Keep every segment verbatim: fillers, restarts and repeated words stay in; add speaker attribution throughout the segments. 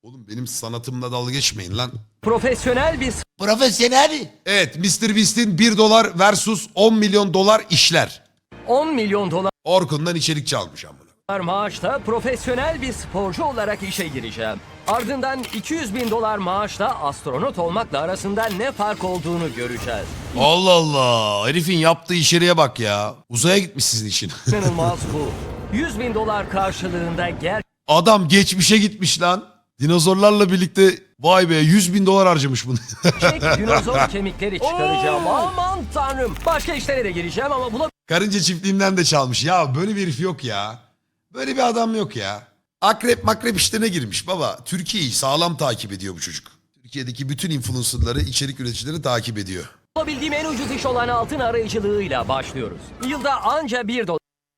Speaker 1: Oğlum benim sanatımla dalga geçmeyin lan.
Speaker 2: Profesyonel bir
Speaker 1: Profesyonel. Evet, mister Beast'in bir dolar versus on milyon dolar işler.
Speaker 2: on milyon dolar
Speaker 1: Orkun'dan içerik çalmış amına.
Speaker 2: maaşla profesyonel bir sporcu olarak işe gireceğim. Ardından iki yüz bin dolar maaşla astronot olmakla arasında ne fark olduğunu göreceğiz.
Speaker 1: Allah Allah. Herifin yaptığı içeriğe bak ya. Uzaya gitmiş sizin için.
Speaker 2: İnanılmaz bu. yüz bin dolar karşılığında
Speaker 1: Adam geçmişe gitmiş lan. Dinozorlarla birlikte vay be yüz bin dolar harcamış bunu.
Speaker 2: gerçek dinozor kemikleri çıkaracağım. Aman tanrım. Başka işlere de gireceğim ama buna
Speaker 1: Karınca çiftliğinden de çalmış. Ya böyle bir herif yok ya. Böyle bir adam yok ya. Akrep makrep işlerine girmiş baba. Türkiye'yi sağlam takip ediyor bu çocuk. Türkiye'deki bütün influencerları, içerik üreticileri takip ediyor.
Speaker 2: bulabildiğim en ucuz iş olan altın arayıcılığıyla başlıyoruz. Yılda anca bir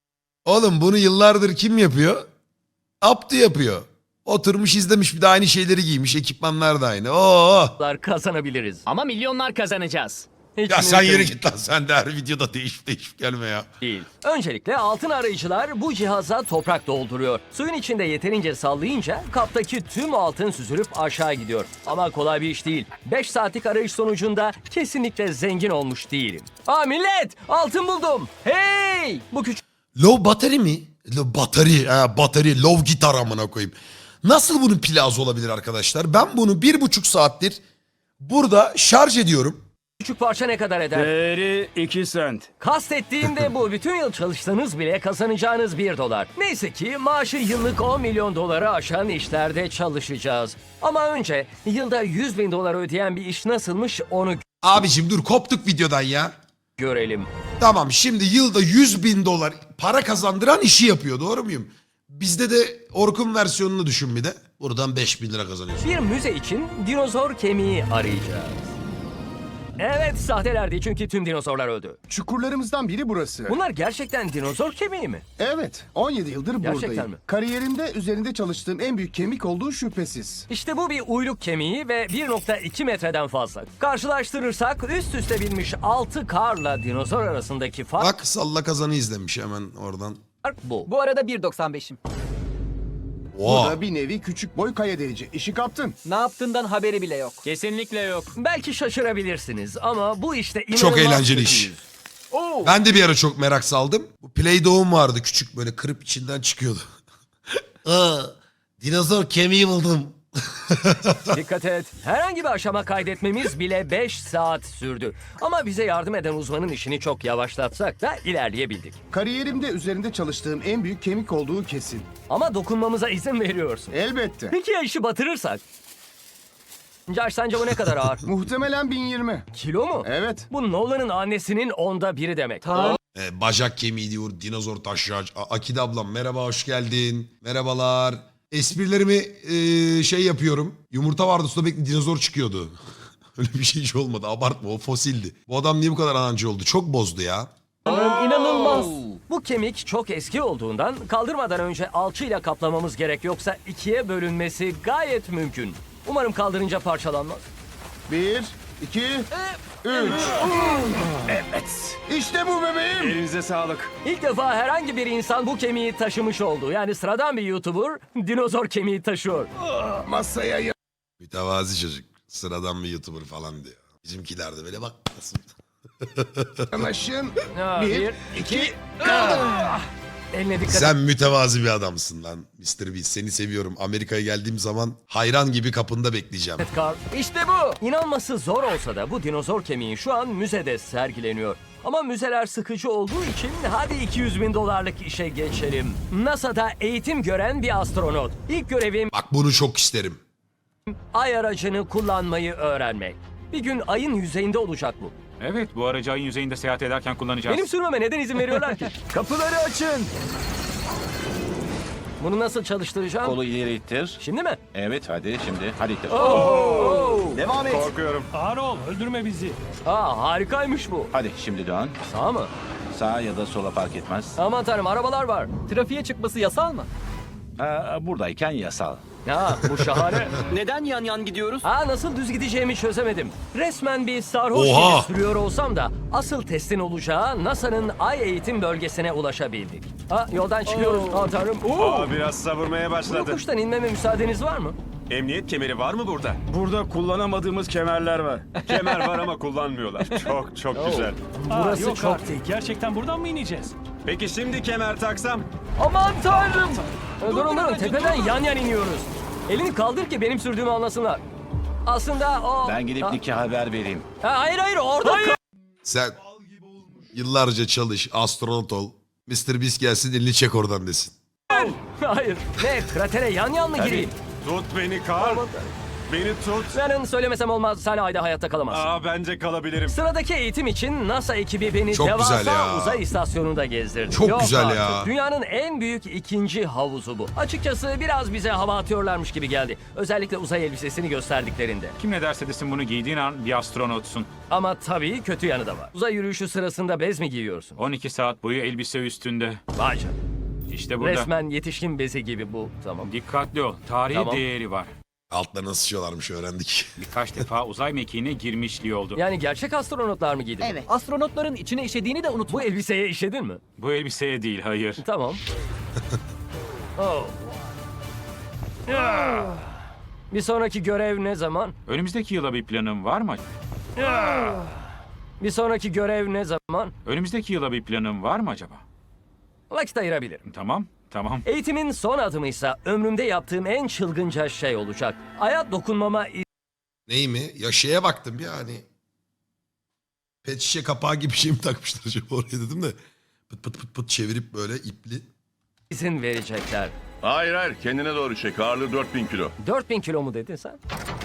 Speaker 1: Oğlum bunu yıllardır kim yapıyor? Abdü yapıyor. Oturmuş izlemiş bir de aynı şeyleri giymiş. Ekipmanlar da aynı. Oo.
Speaker 2: dolar kazanabiliriz.
Speaker 3: Ama milyonlar kazanacağız.
Speaker 2: Hiç
Speaker 1: Ya sen
Speaker 2: mümkün
Speaker 1: yürü git lan, sen de her videoda değişip değişip gelme ya.
Speaker 2: değil. Öncelikle altın arayıcılar bu cihaza toprak dolduruyor. Suyun içinde yeterince sallayınca kaptaki tüm altın süzülüp aşağı gidiyor. Ama kolay bir iş değil. beş saatlik arayış sonucunda kesinlikle zengin olmuş değilim. Aa millet! Altın buldum! Hey! Bu küçük
Speaker 1: Low battery mi? Low battery, ha, battery, low gitar amına koyayım. Nasıl bunun pili az olabilir arkadaşlar? Ben bunu bir buçuk saattir burada şarj ediyorum.
Speaker 2: küçük parça ne kadar eder?
Speaker 4: Değeri iki sent.
Speaker 2: Kastettiğim de bu. Bütün yıl çalışsanız bile kazanacağınız bir dolar. Neyse ki maaşı yıllık on milyon doları aşan işlerde çalışacağız. Ama önce yılda yüz bin dolar ödeyen bir iş nasılmış onu
Speaker 1: Abicim dur, koptuk videodan ya.
Speaker 2: görelim.
Speaker 1: Tamam, şimdi yılda yüz bin dolar para kazandıran işi yapıyor, doğru muyum? Bizde de Orkun versiyonunu düşün bir de. Buradan beş bin lira kazanıyorsun.
Speaker 2: Bir müze için dinozor kemiği arayacağız. Evet, sahtelerdi çünkü tüm dinozorlar öldü.
Speaker 5: Çukurlarımızdan biri burası.
Speaker 2: Bunlar gerçekten dinozor kemiği mi?
Speaker 5: Evet, on yedi yıldır
Speaker 2: Gerçekten
Speaker 5: buradayım.
Speaker 2: mi?
Speaker 5: Kariyerimde üzerinde çalıştığım en büyük kemik olduğu şüphesiz.
Speaker 2: İşte bu bir uyluk kemiği ve bir nokta iki metreden fazla. Karşılaştırırsak üst üste binmiş altı karla dinozor arasındaki fark
Speaker 1: Bak, salla kazanı izlemiş hemen oradan.
Speaker 2: bu.
Speaker 3: Bu arada bir doksan beşim.
Speaker 5: Bu
Speaker 1: Oha.
Speaker 5: da bir nevi küçük boy kaya delici. İşi kaptın.
Speaker 3: Ne yaptığından haberi bile yok. Kesinlikle yok.
Speaker 2: Belki şaşırabilirsiniz ama bu işte inanılmaz
Speaker 1: Çok eğlenceli iş.
Speaker 2: kötüyüz. Oo.
Speaker 1: Ben de bir ara çok merak saldım. Bu Play-Doh'um vardı küçük, böyle kırıp içinden çıkıyordu. Aa, dinozor kemiği buldum.
Speaker 2: Dikkat et. Herhangi bir aşama kaydetmemiz bile beş saat sürdü. Ama bize yardım eden uzmanın işini çok yavaşlatsak da ilerleyebildik.
Speaker 5: Kariyerimde üzerinde çalıştığım en büyük kemik olduğu kesin.
Speaker 2: Ama dokunmamıza izin veriyorsun.
Speaker 5: Elbette.
Speaker 2: Peki ya işi batırırsak? Josh, sence bu ne kadar ağır?
Speaker 5: Muhtemelen bin yirmi.
Speaker 2: Kilo mu?
Speaker 5: Evet.
Speaker 2: Bu Nolan'ın annesinin onda biri demek.
Speaker 1: Ee, bacak kemiği diyor, dinozor taşıyacak. A- Akide ablam merhaba, hoş geldin. Merhabalar. Esprilerimi e, şey yapıyorum. Yumurta vardı, sürekli dinozor çıkıyordu. Öyle bir şey hiç olmadı, abartma, o fosildi. Bu adam niye bu kadar anancı oldu? Çok bozdu ya.
Speaker 2: İnanılmaz. Bu kemik çok eski olduğundan kaldırmadan önce alçıyla kaplamamız gerek, yoksa ikiye bölünmesi gayet mümkün. Umarım kaldırınca parçalanmaz.
Speaker 5: Bir, iki, üç. Evet. İşte bu bebeğim.
Speaker 4: Elinize sağlık.
Speaker 2: İlk defa herhangi bir insan bu kemiği taşımış oldu. Yani sıradan bir YouTuber dinozor kemiği taşıyor.
Speaker 5: Masaya ya.
Speaker 1: Mütevazi çocuk. Sıradan bir YouTuber falan diyor. Bizimkiler de böyle bak nasıl.
Speaker 5: Yanaşın.
Speaker 2: Ha,
Speaker 5: Bir,
Speaker 2: bir,
Speaker 5: iki.
Speaker 2: Eline dikkat et.
Speaker 1: Sen mütevazi bir adamsın lan mister Beast. Seni seviyorum. Amerika'ya geldiğim zaman hayran gibi kapında bekleyeceğim.
Speaker 2: Carl. İşte bu. İnanması zor olsa da bu dinozor kemiği şu an müzede sergileniyor. Ama müzeler sıkıcı olduğu için hadi iki yüz bin dolarlık işe geçelim. NASA'da eğitim gören bir astronot. İlk görevim
Speaker 1: Bak bunu çok isterim.
Speaker 2: ay aracını kullanmayı öğrenmek. Bir gün ayın yüzeyinde olacak bu.
Speaker 4: Evet, bu aracı ayın yüzeyinde seyahat ederken kullanacağız.
Speaker 2: Benim sürmeme neden izin veriyorlar ki?
Speaker 4: Kapıları açın.
Speaker 2: Bunu nasıl çalıştıracağım?
Speaker 6: Kolu ileri ittir.
Speaker 2: Şimdi mi?
Speaker 6: Evet hadi şimdi. Hadi ittir.
Speaker 5: Devam et.
Speaker 4: Korkuyorum.
Speaker 2: Aa, harikaymış bu.
Speaker 6: Hadi şimdi dön.
Speaker 2: Sağ mı?
Speaker 6: Sağa ya da sola fark etmez.
Speaker 2: Aman tanrım, arabalar var.
Speaker 3: Trafiğe çıkması yasal mı?
Speaker 6: Ha, buradayken yasal.
Speaker 2: Ha, bu şahane.
Speaker 3: Neden yan yan gidiyoruz?
Speaker 2: Aa, nasıl düz gideceğimi çözemedim. Resmen bir sarhoş
Speaker 1: Oha!
Speaker 2: gibi sürüyor olsam da asıl testin olacağı NASA'nın ay eğitim bölgesine ulaşabildik. Ha, yoldan çıkıyoruz. Aa tanrım. Oo!
Speaker 4: Aa, biraz savurmaya
Speaker 2: Bu
Speaker 4: başladı.
Speaker 2: yokuştan inmeme müsaadeniz var mı?
Speaker 7: Emniyet kemeri var mı burada?
Speaker 4: Burada kullanamadığımız kemerler var.
Speaker 7: Kemer var ama kullanmıyorlar. Çok çok güzel.
Speaker 2: Burası
Speaker 8: yok
Speaker 2: çok
Speaker 8: artık. Gerçekten buradan mı ineceğiz?
Speaker 7: Peki şimdi kemer taksam?
Speaker 2: Aman tanrım. Ee, Durun durun tepeden yan yan iniyoruz. Elini kaldır ki benim sürdüğümü anlasınlar. Aslında o...
Speaker 6: Ben gidip
Speaker 2: Ha-
Speaker 6: Nick'e haber vereyim.
Speaker 2: Ha, hayır hayır orada kal-
Speaker 1: Sen yıllarca çalış, astronot ol. mister Beast gelsin elini çek oradan desin.
Speaker 2: Hayır. Ne kratere yan yan mı gireyim?
Speaker 7: Tut beni Karl. Beni tut.
Speaker 2: Yarın söylemesem olmaz. Sen ayda hayatta kalamazsın.
Speaker 7: Aa bence kalabilirim.
Speaker 2: Sıradaki eğitim için NASA ekibi beni
Speaker 1: Çok
Speaker 2: devasa
Speaker 1: güzel ya.
Speaker 2: uzay istasyonunda gezdirdi.
Speaker 1: Çok
Speaker 2: Yok
Speaker 1: güzel
Speaker 2: artık.
Speaker 1: ya.
Speaker 2: Dünyanın en büyük ikinci havuzu bu. Açıkçası biraz bize hava atıyorlarmış gibi geldi. Özellikle uzay elbisesini gösterdiklerinde.
Speaker 4: Kim ne derse desin bunu giydiğin an bir astronotsun.
Speaker 2: Ama tabii kötü yanı da var. Uzay yürüyüşü sırasında bez mi giyiyorsun?
Speaker 4: on iki saat boyu elbise üstünde.
Speaker 2: Vay canına.
Speaker 4: İşte burada.
Speaker 2: Resmen yetişkin bezi gibi bu. Tamam.
Speaker 4: Dikkatli ol. Tarihi
Speaker 2: Tamam.
Speaker 4: değeri var.
Speaker 1: Altlarına sıçıyorlarmış öğrendik.
Speaker 4: Birkaç defa uzay mekiğine girmişliği oldu.
Speaker 2: Yani gerçek astronotlar mı giydi?
Speaker 3: Evet. Astronotların içine işediğini de unutma.
Speaker 2: Bu elbiseye işedin mi?
Speaker 4: Bu elbiseye değil, hayır.
Speaker 2: Tamam. Oh. Ah. Bir sonraki görev ne zaman?
Speaker 4: Önümüzdeki yıla bir planın var mı?
Speaker 2: Bir sonraki görev ne zaman?
Speaker 4: Önümüzdeki yıla bir planın var mı acaba?
Speaker 2: Vakit ayırabilirim.
Speaker 4: Tamam, tamam.
Speaker 2: Eğitimin son adımıysa ömrümde yaptığım en çılgınca şey olacak. Aya dokunmama
Speaker 1: Ney mi? Ya şeye baktım ya hani. Pet şişe kapağı gibi bir şey mi takmışlar acaba oraya dedim de. Pıt pıt pıt pıt çevirip böyle ipli.
Speaker 2: izin verecekler.
Speaker 9: Hayır hayır kendine doğru çek. Ağırlığı dört bin kilo.
Speaker 2: dört bin kilo mu dedin sen?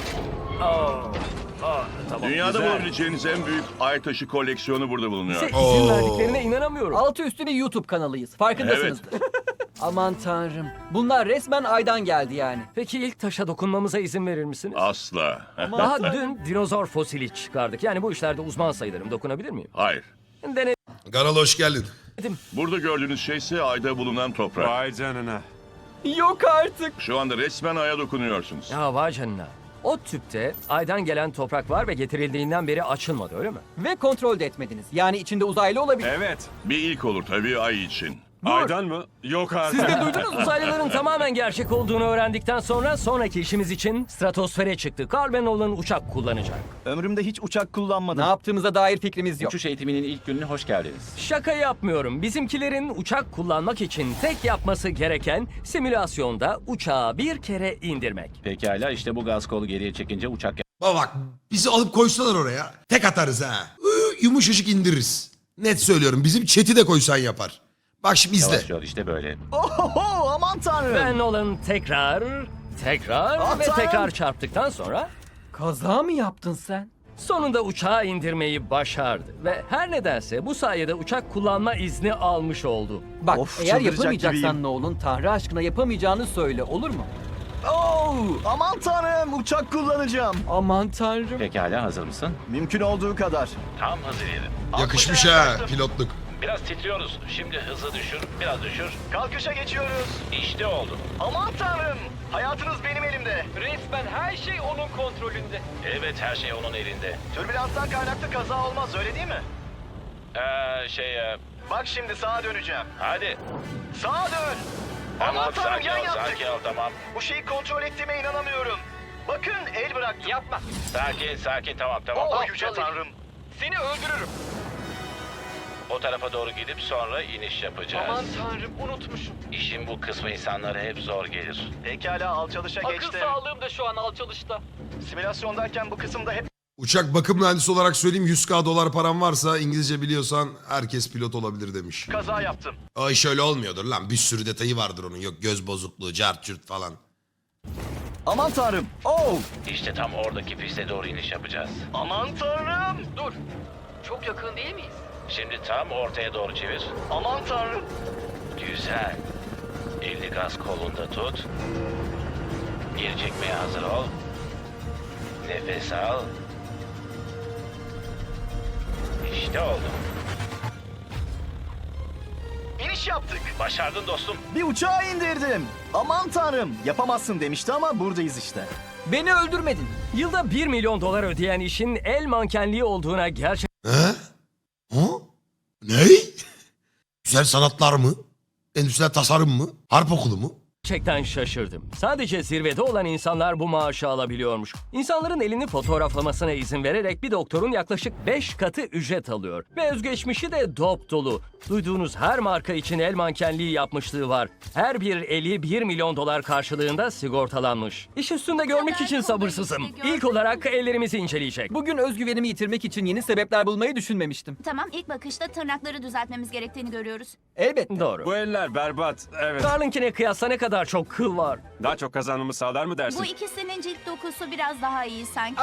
Speaker 2: Oh. Oh, tamam.
Speaker 9: Dünyada
Speaker 2: güzel.
Speaker 9: bulabileceğiniz en büyük ay taşı koleksiyonu burada bulunuyor.
Speaker 2: Size izin
Speaker 1: Oo.
Speaker 2: verdiklerine inanamıyorum.
Speaker 3: Altı üstüne YouTube kanalıyız. Farkındasınızdır. Aman tanrım. Bunlar resmen aydan geldi yani.
Speaker 2: Peki ilk taşa dokunmamıza izin verir misiniz?
Speaker 9: Asla.
Speaker 2: Daha dün dinozor fosili çıkardık. Yani bu işlerde uzman sayılırım. Dokunabilir miyim?
Speaker 9: Hayır.
Speaker 2: Denedim.
Speaker 1: Garal hoş geldin.
Speaker 9: Burada gördüğünüz şey ise ayda bulunan toprak.
Speaker 7: Vay canına.
Speaker 3: Yok artık.
Speaker 9: Şu anda resmen aya dokunuyorsunuz.
Speaker 2: Ya vay canına. O tüpte aydan gelen toprak var ve getirildiğinden beri açılmadı öyle mi?
Speaker 3: Ve kontrol de etmediniz. Yani içinde uzaylı olabilir.
Speaker 7: Evet.
Speaker 9: Bir ilk olur tabii ay için.
Speaker 7: Aydan mı? Yok artık.
Speaker 2: Siz de duydunuz uzaylıların tamamen gerçek olduğunu öğrendikten sonra sonraki işimiz için stratosfere çıktık. Carl ve Nolan uçak kullanacak.
Speaker 5: Ömrümde hiç uçak kullanmadım.
Speaker 3: Ne yaptığımıza dair fikrimiz yok.
Speaker 6: Uçuş eğitiminin ilk gününe hoş geldiniz.
Speaker 2: Şaka yapmıyorum. Bizimkilerin uçak kullanmak için tek yapması gereken simülasyonda uçağı bir kere indirmek.
Speaker 6: Pekala işte bu gaz kolu geriye çekince uçak
Speaker 1: Baba bak bizi alıp koysalar oraya. Tek atarız ha. Iı, Yumuşacık indiririz. Net söylüyorum bizim chat'i de koysan yapar. Bak şimdi izle.
Speaker 6: yavaşlıyor işte böyle.
Speaker 5: Oho, aman tanrım.
Speaker 2: Ve Nolan tekrar, tekrar
Speaker 5: Ah,
Speaker 2: ve
Speaker 5: tanrım.
Speaker 2: tekrar çarptıktan sonra
Speaker 3: Kaza mı yaptın sen?
Speaker 2: sonunda uçağı indirmeyi başardı. Ve her nedense bu sayede uçak kullanma izni almış oldu.
Speaker 3: Bak
Speaker 5: Of,
Speaker 3: eğer
Speaker 5: çıldıracak
Speaker 3: yapamayacaksan
Speaker 5: gibiyim.
Speaker 3: ne olun Tanrı aşkına yapamayacağını söyle olur mu?
Speaker 5: Oo, aman tanrım uçak kullanacağım.
Speaker 3: Aman tanrım.
Speaker 6: Pekala hazır mısın?
Speaker 5: Mümkün olduğu kadar.
Speaker 6: Tam hazır yerim.
Speaker 1: Yakışmış ha pilotluk.
Speaker 6: Biraz titriyoruz. Şimdi hızı düşür, biraz düşür.
Speaker 5: Kalkışa geçiyoruz.
Speaker 6: İşte oldu.
Speaker 5: Aman tanrım. Hayatınız benim elimde.
Speaker 3: Resmen her şey onun kontrolünde.
Speaker 6: Evet her şey onun elinde.
Speaker 5: Türbülanstan kaynaklı kaza olmaz öyle değil mi?
Speaker 6: Ee, şey e,
Speaker 5: Bak şimdi sağa döneceğim.
Speaker 6: hadi.
Speaker 5: Sağa dön. Aman tanrım yan yaptık.
Speaker 6: ol tamam.
Speaker 5: Bu şeyi kontrol ettiğime inanamıyorum. Bakın el bıraktım.
Speaker 3: Yapma.
Speaker 6: Sakin sakin tamam tamam.
Speaker 5: Oh yüce tanrım.
Speaker 3: Seni öldürürüm.
Speaker 6: O tarafa doğru gidip sonra iniş yapacağız.
Speaker 3: tanrım unutmuşum.
Speaker 6: İşin bu kısmı insanlara hep zor gelir.
Speaker 5: Pekala alçalışa geçtim.
Speaker 3: sağlığım da şu an alçalışta.
Speaker 5: Simülasyondayken bu kısımda hep
Speaker 1: Uçak bakım mühendisi olarak söyleyeyim yüz bin dolar param varsa İngilizce biliyorsan herkes pilot olabilir demiş.
Speaker 5: kaza yaptım.
Speaker 1: Ay şöyle olmuyordur lan bir sürü detayı vardır onun yok göz bozukluğu cart cürt falan.
Speaker 5: Aman tanrım. Oh.
Speaker 6: İşte tam oradaki piste doğru iniş yapacağız.
Speaker 5: Aman tanrım.
Speaker 3: Dur. Çok yakın değil miyiz?
Speaker 6: Şimdi tam ortaya doğru çevir.
Speaker 5: Aman tanrım.
Speaker 6: Güzel. Elini gaz kolunda tut. Geri çekmeye hazır ol. Nefes al. İşte oldu.
Speaker 5: İniş yaptık.
Speaker 6: Başardın dostum.
Speaker 5: Bir uçağı indirdim. Aman tanrım. Yapamazsın demişti ama buradayız işte.
Speaker 3: Beni öldürmedin.
Speaker 2: Yılda bir milyon dolar ödeyen işin el mankenliği olduğuna gerçekten
Speaker 1: He? Ha? Ne? Güzel sanatlar mı? Endüstriyel tasarım mı? Harp okulu mu?
Speaker 2: Gerçekten şaşırdım. Sadece zirvede olan insanlar bu maaşı alabiliyormuş. İnsanların elini fotoğraflamasına izin vererek bir doktorun yaklaşık beş katı ücret alıyor. Ve özgeçmişi de dop dolu. Duyduğunuz her marka için el mankenliği yapmışlığı var. Her bir eli bir milyon dolar karşılığında sigortalanmış. İş üstünde görmek için sabırsızım. İlk olarak ellerimizi inceleyecek.
Speaker 3: Bugün özgüvenimi yitirmek için yeni sebepler bulmayı düşünmemiştim.
Speaker 10: Tamam, ilk bakışta tırnakları düzeltmemiz gerektiğini görüyoruz.
Speaker 3: Elbette.
Speaker 2: Doğru.
Speaker 7: Bu eller berbat. Evet.
Speaker 2: Carl'inkine kıyasla ne kadar çok kıl var.
Speaker 7: Daha çok kazanmamı sağlar mı dersin?
Speaker 10: Bu ikisinin cilt dokusu biraz daha iyi sanki.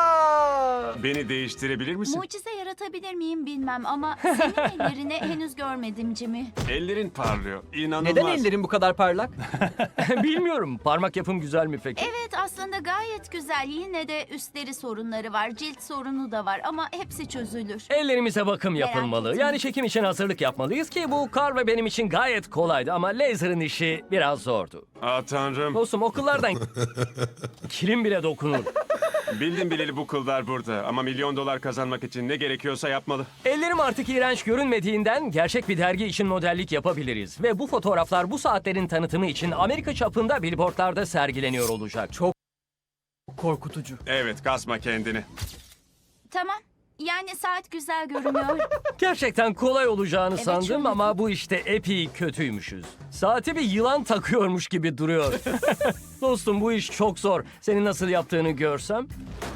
Speaker 3: Aa!
Speaker 7: Beni değiştirebilir misin?
Speaker 10: Mucize yaratabilir miyim bilmem ama senin ellerini henüz görmedim Jimmy.
Speaker 7: Ellerin parlıyor. İnanılmaz.
Speaker 3: Neden ellerin bu kadar parlak?
Speaker 2: Bilmiyorum. Parmak yapım güzel mi peki?
Speaker 10: Evet, aslında gayet güzel. Yine de üstleri sorunları var, cilt sorunu da var ama hepsi çözülür.
Speaker 2: Ellerimize bakım
Speaker 10: Merak
Speaker 2: yapılmalı.
Speaker 10: etme.
Speaker 2: Yani çekim için hazırlık yapmalıyız ki bu Carl ve benim için gayet kolaydı ama laser'ın işi biraz zordu.
Speaker 7: Aa tanrım.
Speaker 2: Dostum okullardan kilim bile dokunur.
Speaker 7: Bildim bileli bu kıllar burada. Ama milyon dolar kazanmak için ne gerekiyorsa yapmalı.
Speaker 2: Ellerim artık iğrenç görünmediğinden gerçek bir dergi için modellik yapabiliriz. Ve bu fotoğraflar bu saatlerin tanıtımı için Amerika çapında billboardlarda sergileniyor olacak. Çok
Speaker 3: Korkutucu.
Speaker 7: Evet, kasma kendini.
Speaker 10: Tamam, yani saat güzel görünüyor.
Speaker 2: gerçekten kolay olacağını
Speaker 10: Evet,
Speaker 2: sandım
Speaker 10: şöyle-
Speaker 2: ama bu işte epey kötüymüşüz. Saati bir yılan takıyormuş gibi duruyor. Dostum bu iş çok zor. Senin nasıl yaptığını görsem.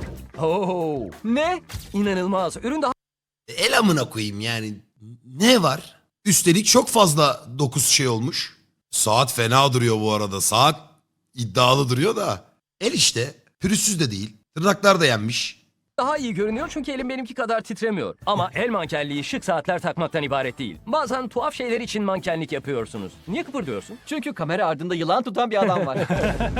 Speaker 2: Oo,
Speaker 3: Ne?
Speaker 2: inanılmaz. Ürün daha
Speaker 1: El amına koyayım yani. Ne var? Üstelik çok fazla dokuz şey olmuş. Saat fena duruyor bu arada. Saat iddialı duruyor da. El işte. Pürüzsüz de değil. Tırnaklar da yenmiş.
Speaker 2: daha iyi görünüyor çünkü elim benimki kadar titremiyor. Ama el mankenliği şık saatler takmaktan ibaret değil. Bazen tuhaf şeyler için mankenlik yapıyorsunuz. Niye kıpırdıyorsun?
Speaker 3: Çünkü kamera ardında yılan tutan bir adam var.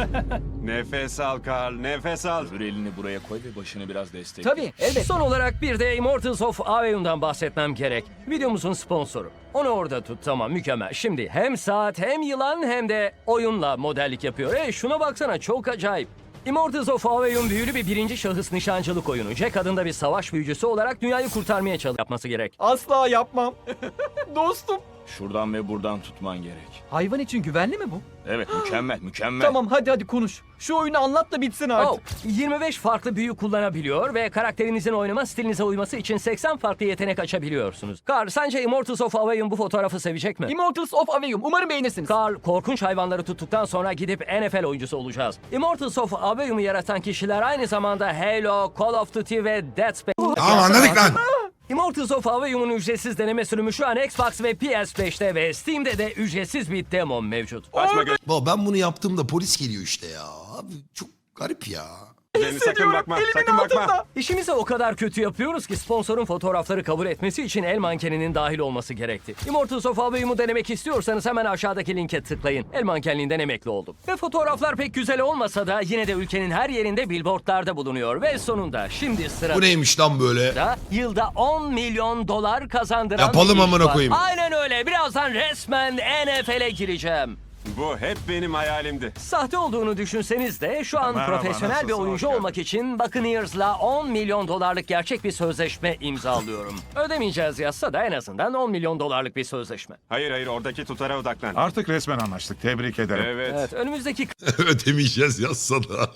Speaker 7: Nefes al Karl, nefes al.
Speaker 8: Öbür elini buraya koy ve başını biraz destekle.
Speaker 3: Tabii, elbette.
Speaker 2: Son olarak bir de Immortals of Aveum'dan bahsetmem gerek. Videomuzun sponsoru. Onu orada tut, tamam, mükemmel. Şimdi hem saat hem yılan hem de oyunla modellik yapıyor. E şuna baksana, çok acayip. Immortals of Aveum büyülü bir birinci şahıs nişancılık oyunu. Jack adında bir savaş büyücüsü olarak dünyayı kurtarmaya çalış yapması gerek.
Speaker 3: Asla yapmam. Dostum.
Speaker 8: Şuradan ve buradan tutman gerek.
Speaker 3: Hayvan için güvenli mi bu?
Speaker 8: Evet, mükemmel, mükemmel.
Speaker 3: Tamam, hadi hadi konuş. Şu oyunu anlat da bitsin
Speaker 2: Oh,
Speaker 3: artık.
Speaker 2: yirmi beş farklı büyü kullanabiliyor ve karakterinizin oynama stilinize uyması için seksen farklı yetenek açabiliyorsunuz. Carl, sence Immortals of Aveum bu fotoğrafı sevecek mi?
Speaker 3: Immortals of Aveum. Umarım beğenirsiniz.
Speaker 2: Carl, korkunç hayvanları tuttuktan sonra gidip N F L oyuncusu olacağız. Immortals of Aveum'u yaratan kişiler aynı zamanda Halo, Call of Duty ve Dead Space...
Speaker 1: Tamam anladık lan.
Speaker 2: Immortals of Aveum'un ücretsiz deneme sürümü şu an Xbox ve P S beşte ve Steam'de de ücretsiz bir demo mevcut.
Speaker 7: Açma
Speaker 1: Baba ben bunu yaptığımda polis geliyor işte ya. Abi çok garip ya.
Speaker 7: gözlerini, sakın bakma, sakın bakma.
Speaker 2: İşimizi o kadar kötü yapıyoruz ki sponsorun fotoğrafları kabul etmesi için el mankeninin dahil olması gerekti. Immortals of Aveum'u denemek istiyorsanız hemen aşağıdaki linke tıklayın. El mankenliğinden emekli oldum. Ve fotoğraflar pek güzel olmasa da yine de ülkenin her yerinde billboardlarda bulunuyor. Ve sonunda şimdi sırada...
Speaker 1: Bu neymiş lan böyle?
Speaker 2: da yılda on milyon dolar kazandıran
Speaker 1: Yapalım
Speaker 2: bir iş
Speaker 1: amına
Speaker 2: var.
Speaker 1: koyayım.
Speaker 2: Aynen öyle. Birazdan resmen N F L'e gireceğim.
Speaker 7: Bu hep benim hayalimdi.
Speaker 2: Sahte olduğunu düşünseniz de şu an
Speaker 7: Merhaba,
Speaker 2: profesyonel bir
Speaker 7: nasılsın?
Speaker 2: oyuncu
Speaker 7: Hoş
Speaker 2: olmak için Buccaneers'la on milyon dolarlık gerçek bir sözleşme imzalıyorum. Ödemeyeceğiz yazsa da en azından on milyon dolarlık bir sözleşme.
Speaker 7: Hayır hayır, oradaki tutara odaklan.
Speaker 11: Artık resmen anlaştık. Tebrik ederim.
Speaker 7: Evet.
Speaker 2: Evet, önümüzdeki
Speaker 1: Ödemeyeceğiz yazsa da.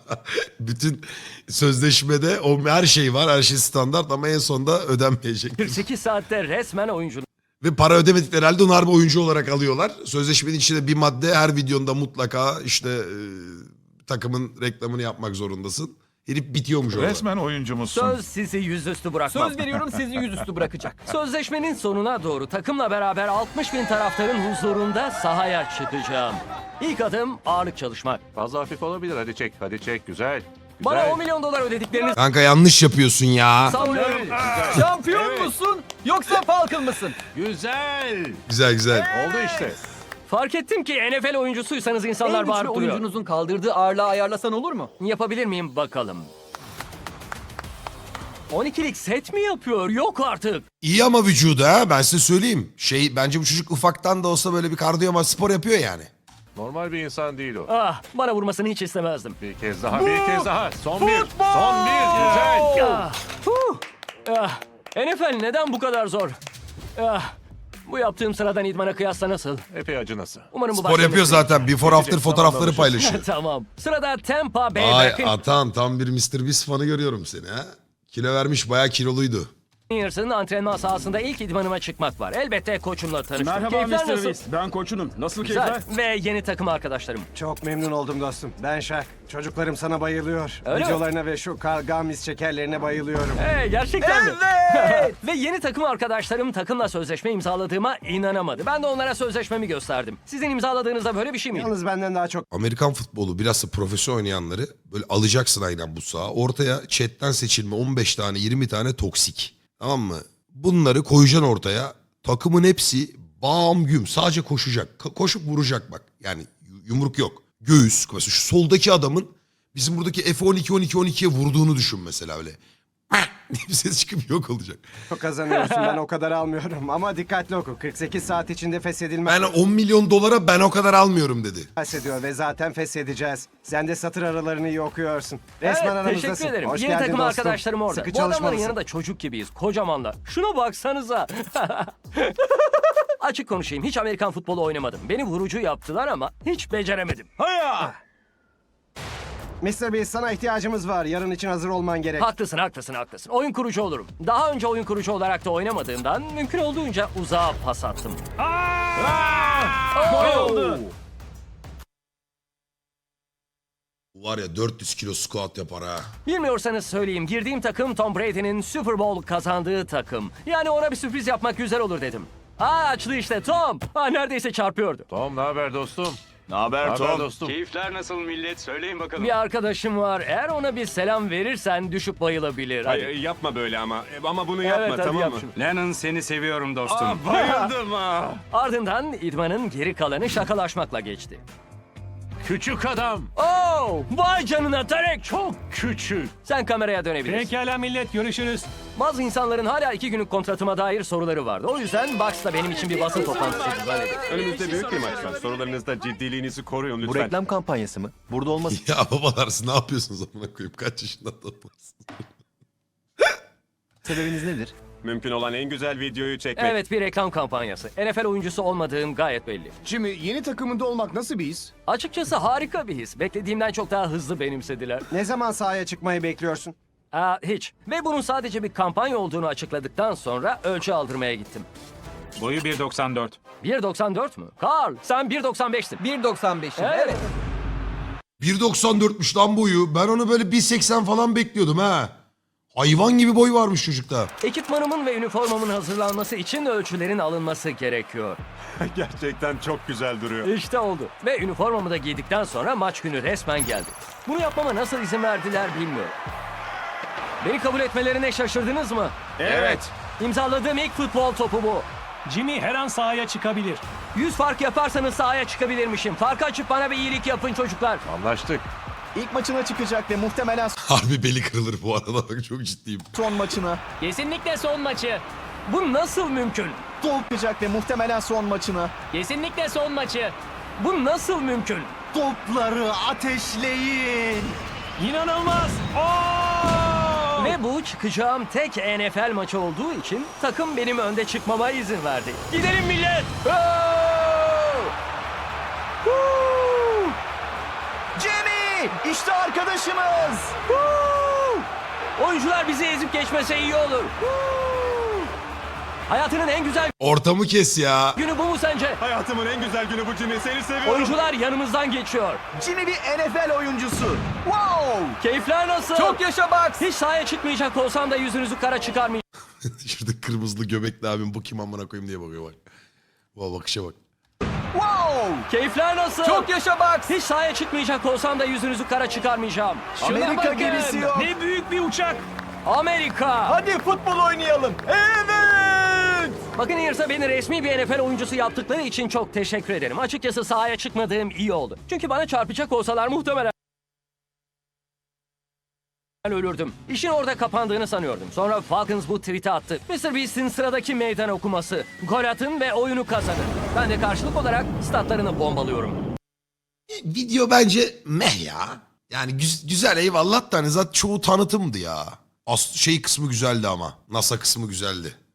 Speaker 1: Bütün sözleşmede o her şey var. Her şey standart ama en sonunda ödenmeyecek.
Speaker 2: kırk sekiz saatte resmen oyuncu.
Speaker 1: Ve para ödemedikleri halde onu harbi oyuncu olarak alıyorlar. Sözleşmenin içinde bir madde her videonda mutlaka işte e, takımın reklamını yapmak zorundasın. Herif bitiyormuş orada.
Speaker 11: Resmen oyuncumuzsun.
Speaker 2: Söz sizi yüzüstü bırakmam.
Speaker 3: Söz veriyorum sizi yüzüstü bırakacak.
Speaker 2: Sözleşmenin sonuna doğru takımla beraber altmış bin taraftarın huzurunda sahaya çıkacağım. İlk adım ağırlık çalışmak.
Speaker 8: Fazla hafif olabilir. Hadi çek, hadi çek. Güzel.
Speaker 2: Bana on milyon dolar ödediklerini
Speaker 1: Kanka yanlış yapıyorsun ya.
Speaker 2: savunuyorum.
Speaker 3: Şampiyon musun yoksa Falcon mısın?
Speaker 8: Güzel.
Speaker 1: Güzel güzel.
Speaker 8: Oldu işte.
Speaker 2: Fark ettim ki N F L oyuncusuysanız
Speaker 3: En
Speaker 2: insanlar
Speaker 3: güçlü
Speaker 2: bağırıp duruyor.
Speaker 3: oyuncunuzun kaldırdığı ağırlığı ayarlasan olur mu?
Speaker 2: Yapabilir miyim bakalım? on ikilik set mi yapıyor? Yok artık.
Speaker 1: İyi ama vücudu ha ben size söyleyeyim. Şey bence bu çocuk ufaktan da olsa böyle bir kardiyo ama spor yapıyor yani.
Speaker 8: Normal bir insan değil o.
Speaker 2: Ah, bana vurmasını hiç istemezdim.
Speaker 8: Bir kez daha, bir kez daha. Son bir, son bir. Güzel.
Speaker 2: Ah, huh. Ah, N F L neden bu kadar zor? Ah, Bu yaptığım sıradan idmana kıyasla nasıl?
Speaker 8: Epey acınası.
Speaker 2: Umarım bu
Speaker 1: Spor
Speaker 2: başka
Speaker 1: yapıyor
Speaker 2: bir-
Speaker 1: zaten. Before after fotoğrafları paylaşıyor.
Speaker 2: Tamam. Sırada Tampa Bay
Speaker 1: Ay
Speaker 2: Buccaneers.
Speaker 1: Atan tam bir mister Beast fanı görüyorum seni ha. Kilo vermiş bayağı kiloluydu.
Speaker 2: Buccaneers'ın antrenman sahasında ilk idmanıma çıkmak var. Elbette koçumla tanıştım.
Speaker 8: Merhaba
Speaker 2: Keyifler
Speaker 8: mister
Speaker 2: nasıl?
Speaker 8: Beast. Ben koçunum. Nasıl
Speaker 2: Güzel.
Speaker 8: keyifler?
Speaker 2: Ve yeni takım arkadaşlarım.
Speaker 12: Çok memnun oldum dostum. Ben Şak. Çocuklarım sana bayılıyor.
Speaker 2: Öyle mi?
Speaker 12: Videolarına ve şu Kargamis şekerlerine bayılıyorum.
Speaker 2: Hey, gerçekten mi? Ve yeni takım arkadaşlarım takımla sözleşme imzaladığıma inanamadı. Ben de onlara sözleşmemi gösterdim. Sizin imzaladığınızda böyle bir şey miydi?
Speaker 12: Yalnız benden daha çok
Speaker 1: Amerikan futbolu biraz da profesyonel oynayanları böyle alacaksın aynen bu sağa. Ortaya chatten seçilme on beş tane yirmi tane toksik. Tamam mı? Bunları koyacaksın ortaya. Takımın hepsi bam güm sadece koşacak. Ka- koşup vuracak bak. Yani yu- yumruk yok. Göğüs. Mesela şu soldaki adamın bizim buradaki F on iki on iki on ikiye vurduğunu düşün mesela öyle. diye bir ses çıkıp yok olacak.
Speaker 12: kazanıyorsun. Ben o kadar almıyorum. Ama dikkatli oku. kırk sekiz saat içinde feshedilmez
Speaker 1: Ben on milyon dolara ben o kadar almıyorum dedi.
Speaker 12: ediyor ve zaten feshedeceğiz. Sen de satır aralarını iyi okuyorsun. Resmen
Speaker 2: Evet,
Speaker 12: aramızdasın.
Speaker 2: teşekkür ederim.
Speaker 12: Hoş
Speaker 2: Yeni
Speaker 12: geldin
Speaker 2: takım
Speaker 12: dostum.
Speaker 2: arkadaşlarım orada.
Speaker 12: Sıkı
Speaker 2: Bu adamların
Speaker 12: çalışmalısın.
Speaker 2: yanında çocuk gibiyiz. Kocamanlar. Şuna baksanıza. Açık konuşayım. Hiç Amerikan futbolu oynamadım. Beni vurucu yaptılar ama hiç beceremedim.
Speaker 12: mister Beast sana ihtiyacımız var. Yarın için hazır olman gerek.
Speaker 2: Haklısın, haklısın, haklısın. Oyun kurucu olurum. Daha önce oyun kurucu olarak da oynamadığımdan mümkün olduğunca uzağa pas attım. Oh!
Speaker 1: Bu var ya dört yüz kilo squat yapar ha.
Speaker 2: Bilmiyorsanız söyleyeyim. Girdiğim takım Tom Brady'nin Super Bowl kazandığı takım. Yani ona bir sürpriz yapmak güzel olur dedim. Aa açlı işte Tom. Aa, neredeyse çarpıyordu.
Speaker 8: Tom ne haber dostum?
Speaker 7: Ne haber
Speaker 8: Haber
Speaker 7: Tom?
Speaker 8: dostum.
Speaker 7: Keyifler nasıl millet? Söyleyin bakalım.
Speaker 2: Bir arkadaşım var. Eğer ona bir selam verirsen düşüp bayılabilir. Hadi.
Speaker 7: Ay, yapma böyle ama. Ama bunu
Speaker 2: Evet,
Speaker 7: yapma
Speaker 2: hadi
Speaker 7: tamam
Speaker 2: yap
Speaker 7: mı?
Speaker 2: şunu.
Speaker 7: Lennon seni seviyorum dostum. Aa, bayıldım ha.
Speaker 2: Ardından idmanın geri kalanı şakalaşmakla geçti.
Speaker 8: Küçük adam.
Speaker 2: Oh! Vay canına Tarek!
Speaker 8: Çok küçük.
Speaker 2: Sen kameraya dönebilirsin.
Speaker 8: Pekala millet görüşürüz.
Speaker 2: Bazı insanların hala iki günlük kontratıma dair soruları vardı. O yüzden Bucks da benim için bir basın toplantısı düzenledi.
Speaker 7: Önümüzde büyük bir maç var. Sorularınızda ciddiliğinizi koruyun lütfen.
Speaker 5: kampanyası mı? Burada olması
Speaker 1: Ya babalar siz ne yapıyorsunuz amına koyayım? Kaç yaşında adamlarsınız?
Speaker 5: sebebiniz nedir?
Speaker 7: Mümkün olan en güzel videoyu çekmek.
Speaker 2: Evet, bir reklam kampanyası. N F L oyuncusu olmadığım gayet belli.
Speaker 5: Jimmy yeni takımında olmak nasıl bir his?
Speaker 2: Açıkçası harika bir his. Beklediğimden çok daha hızlı benimsediler.
Speaker 12: Ne zaman sahaya çıkmayı bekliyorsun?
Speaker 2: Aa, hiç. Ve bunun sadece bir kampanya olduğunu açıkladıktan sonra ölçü aldırmaya gittim.
Speaker 4: Boyu bir doksan dört.
Speaker 2: bir doksan dört mü? Carl, sen bir doksan beştin.
Speaker 3: bir doksan beşim.
Speaker 2: Evet.
Speaker 3: Evet.
Speaker 1: bir doksan dörtmüş lan boyu. Ben onu böyle bir seksen falan bekliyordum ha. Hayvan gibi boy varmış çocukta.
Speaker 2: Ekipmanımın ve üniformamın hazırlanması için ölçülerin alınması gerekiyor.
Speaker 7: Gerçekten çok güzel duruyor.
Speaker 2: İşte oldu. Ve üniformamı da giydikten sonra maç günü resmen geldi. Bunu yapmama nasıl izin verdiler bilmiyorum. Beni kabul etmelerine şaşırdınız mı?
Speaker 7: Evet.
Speaker 2: İmzaladığım ilk futbol topu bu.
Speaker 8: Jimmy her an sahaya çıkabilir.
Speaker 2: yüz fark yaparsanız sahaya çıkabilirmişim. Farkı açıp bana bir iyilik yapın çocuklar.
Speaker 8: Anlaştık.
Speaker 5: İlk maçına çıkacak ve muhtemelen
Speaker 1: Harbi beli kırılır bu arada bak çok ciddiyim.
Speaker 5: son maçına.
Speaker 2: Kesinlikle son maçı. Bu nasıl mümkün?
Speaker 5: Çıkacak ve muhtemelen son maçına.
Speaker 2: Kesinlikle son maçı. Bu nasıl mümkün?
Speaker 5: Topları ateşleyin.
Speaker 8: İnanılmaz.
Speaker 2: Ve bu çıkacağım tek N F L maçı olduğu için takım benim önde çıkmama izin verdi. Gidelim millet! Oh! Woo!
Speaker 5: Jimmy! İşte arkadaşımız.
Speaker 2: Woo! Oyuncular bizi ezip geçmese iyi olur. Woo! Hayatının en güzel
Speaker 1: Ortamı kes ya.
Speaker 2: günü bu mu sence?
Speaker 7: Hayatımın en güzel günü bu Jimmy. Seni seviyorum.
Speaker 2: Oyuncular yanımızdan geçiyor.
Speaker 5: Jimmy bir N F L oyuncusu. Wow!
Speaker 2: Keyifler nasıl?
Speaker 3: Çok yaşa Bucks.
Speaker 2: Hiç sahaya çıkmayacak olsam da yüzünüzü kara çıkarmayacağım.
Speaker 1: Şurada kırmızılı göbekli abim bu kim amına koyayım diye bakıyor bak. Bu bakışa bak.
Speaker 5: Wow!
Speaker 2: Keyifler nasıl?
Speaker 3: Çok yaşa Bucks.
Speaker 2: Hiç sahaya çıkmayacak olsam da yüzünüzü kara çıkarmayacağım. Şuna
Speaker 5: Amerika
Speaker 2: bakın.
Speaker 5: gemisi yok.
Speaker 8: Ne büyük bir uçak.
Speaker 2: Amerika.
Speaker 5: Hadi futbol oynayalım. Evet!
Speaker 2: Buccaneers'a beni resmi bir N F L oyuncusu yaptıkları için çok teşekkür ederim. Açıkçası sahaya çıkmadığım iyi oldu. Çünkü bana çarpacak olsalar muhtemelen ölürdüm. İşin orada kapandığını sanıyordum. Sonra Falcons bu tweet'i attı. mister Beast'in sıradaki meydan okuması. Gol atın ve oyunu kazanın. Ben de karşılık olarak statlarını bombalıyorum.
Speaker 1: Video bence meh ya. Yani güz- güzel eyvallah da hani zaten çoğu tanıtımdı ya. As şey kısmı güzeldi ama. NASA kısmı güzeldi.